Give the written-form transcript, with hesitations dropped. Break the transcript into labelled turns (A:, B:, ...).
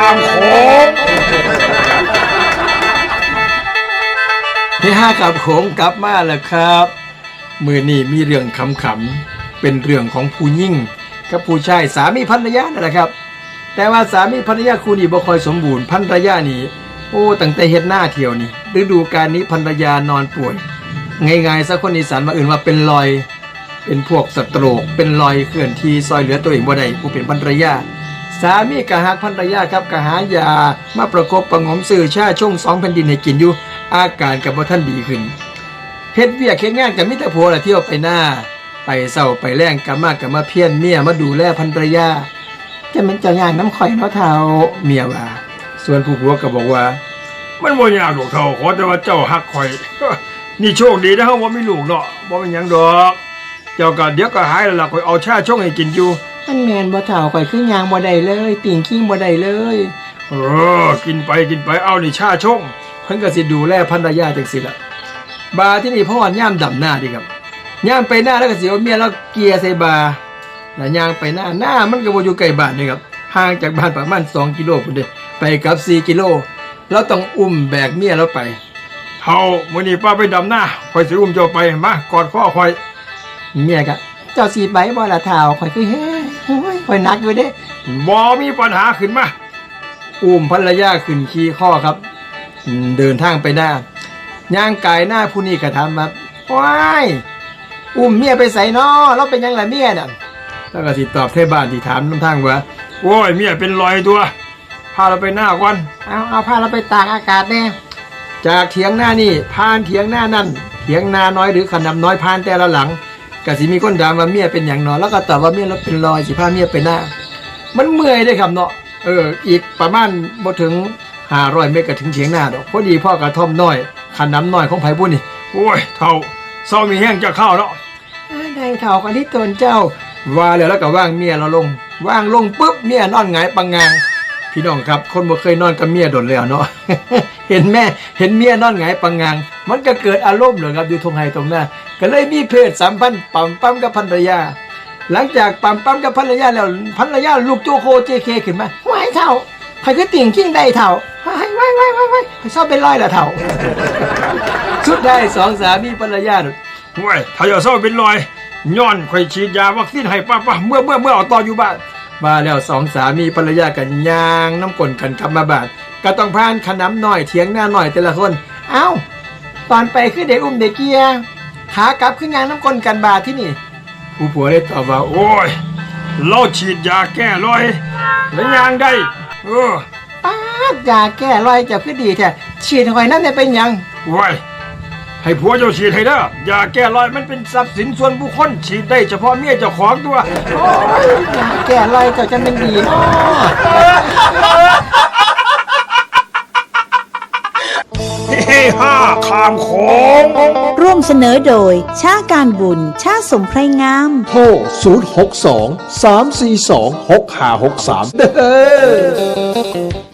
A: ามโขง
B: ที่ห้ากับโขงกลับมาแล้วครับมือนี่มีเรื่องขำๆเป็นเรื่องของผู้หญิงกับผู้ชายสามีภรรยานั่นแหละครับแต่ว่าสามีภรรยาคู่นี้บ่ค่อยสมบูรณ์ภรรยานี่โอ้ตั้งแต่เฮ็ดหน้าเที่ยวนี่ฤดูกาลนี้ภรรยานอนป่วยง่ายๆซะคนอีสานมาอื่นว่าเป็นรอยเป็นพวกสโตรกเป็นรอยเคลื่อนที่ซอยเหลือตัวเองบ่ได้ผู้เป็นภรรยาสามีกะหักภรรยาครับกะหายามาประกบประงมซื้อชาช่วง2 แผ่นดินให้กินอยู่อาการกับบ่ทันดีขึ้นเฮ็ดเวียกเฮ็ดงานกับมิตรผัวละเที่ยวไปหน้าไปเศร้าไปแรงกลับมาเพี้ยนเมียมาดูแลภรรยาจะเป็นเจ้าย่างน้ำข่อยเนาะเท่าเมียว่าส่วนผู้ผัวก็บอกว่า
A: มันบ่ยากหรอกเท่าขอแต่ว่าเจ้าฮักข่อยนี่โชคดีนะเฮาบ่มีลูกเนาะบ่เป็นหยังดอกเจ้าก็เดี๋ยวก็หายแล้วล่ะข่อยเอาชาชงให้กินอยู่
B: มันแม่นบ่เท่าข่อยคือย่างบ่ได้เลยติ่งขิงบ่ได้เลย
A: กินไปเอานี่ชาชง
B: เพิ่นก็สิดูแลภรรยาจังซี่ล่ะบาที่นี่พ่อย่ามดำหน้าดิครับย่ามไปหน้าแล้วก็สิเอาเมียแล้วเกียร์ใส่บาแล้วย่างไปหน้ามันก็บ่อยู่ใกล้บ้านนี่ครับห่างจากบ้านประมาณ2 กิโลพุ่นเด้ไปกับ4 กิโลเราต้องอุ้มแบกเมียเราไป
A: เฮามื้อนี้ป้าไปดำหน้าข่อยสิอุ้มเจ้าไปมากอดคอข่อย
B: เมียก็เจ้าสิไปบ่ล่ะเฒ่าข่อยคือเฮ้ยข่อยหนักอยู่เด้
A: บ่มีปัญหาขึ้นมา
B: อุ้มภรรยาขึ้นขี่ข้อครับเดินทางไปหน้าย่างกายหน้าผู้นี้ก็ถามครับว้ายอุ้มเมียไปใส่น้อเราเป็นยังไงเมียน่ะแล้วก็สิตอบเทบ้านที่ถามน้ำทางว่า
A: โอ้ยเมียเป็นรอยตัวพาเราไปหน้าก่อน
B: เอาพาเราไปตากอากาศแน่จากเถียงหน้านี่ผ่านเถียงหน้านั่นเถียงนาน้อยหรือขนำน้อยผ่านแต่ละหลังก็สิมีคนถามว่าเมียเป็นอย่างนอนแล้วก็ตอบว่าเมียเราเป็นรอยสิพาเมียไปหน้ามันเมื่อยได้ครับเนาะอีกประมาณบ่ถึง500 เมตรก็ถึงเถียงหน้าดอกพอดีพ่อกระท่อมน้อยขนำน้อยของไผบุญนี่
A: โอ้ยเท่าเศร้ามีแห้งจะเข้าเนาะ
B: ได้เท่ากันที่ตนเจ้าว่าแล้วก็ว่างเมียเราลงว่างลงปุ๊บเมียนอนหงายปังงางพี่น้องครับคนบ่เคยนอนกับเมียโดนแล้วเนาะ เห็นเมียนอนหงายปังงางมันก็เกิดอารมณ์เลยครับอยู่ทงไห้ตรงหน้าก็เลยมีเพศสัมพันธ์ปั๊มกับภรรยาหลังจากปั๊มกับภรรยาแล้วภรรยาลูกโจโคเจเคขึ้นมาไหวเท่าใครคือติ่งขิงได้เท่าไหวชอบเป็นร้อยละเท่า สุดท้าย2 สามีภรรยา
A: โอ้ยถ้าอย่าเศร้าเป็นรอยย้อนข่อยฉีดยาวัคซีนให้ป้าเมื่อเอาต่ออยู่บ้าน
B: มาแล้ว2 สามีภรรยากันย่างน้ำกลนกันกลับมาบ้านก็ต้องผ่านขนำหน่อยเถียงหน้าหน่อยแต่ละคนเอ้าตอนไปคือเด็กอุ้มเด็กเกียขากลับขึ้นย่างน้ำกลนกันบาที่นี่ผู้ผัวได้ตอบว่า
A: โอ้ยเราฉีดยาแก้รอยแล้วยางได้
B: ป้ายาแก้รอยจะคือดีแท้ฉีดหอยนั่นเนี่ยเป็นยัง
A: โอ้ยให้ผัวเจ้าฉีดให้เด้อยาแก้รอยมันเป็นทรัพย์สินส่วนบุคคลฉีดได้เฉพาะเมียเจ้าของตัว
B: โอ้ยยาแก้รอยเจ้าจะเป็นดีเนาะ
A: เฮ้ห้าขามโขง
C: ร่วมเสนอโดยชาการบุญชาสมไพรงาม
D: โทร062 342 6563เด้อ